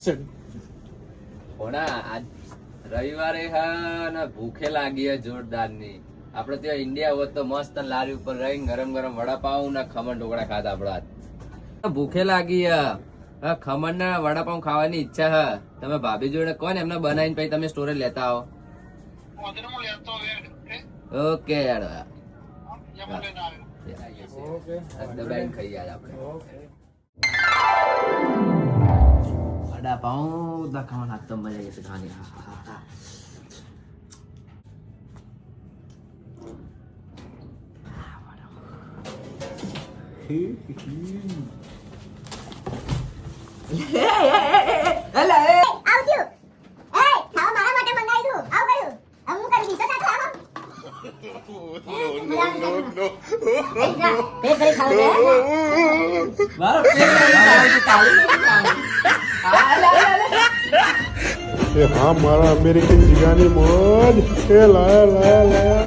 હોના આજ રવિવારે હા ને ભૂખે લાગી હે જોરદાર ની. આપડે ત્યાં ઇન્ડિયા હોત તો મસ્ત લારી ઉપર રહીને ગરમ ગરમ વડાપાઉં ને ખમણ ઢોકળા ખાધા આપડે આજ. ભૂખે લાગી હે હા, ખમણ ને વડાપાઉં ખાવાની ઈચ્છા હે. તમે ભાભી જોડે કોણ એમને બનાવીને પછી તમે સ્ટોરે લેતા આવો. ઓકે યાર દબાઈને ખાઈ યાર આપણે વડાપાઉં દા ખાવાના તો મજા આવી જશે ખાવાની. हाँ मारा अमेरिकन जिगानी मौज लाया लाया लाया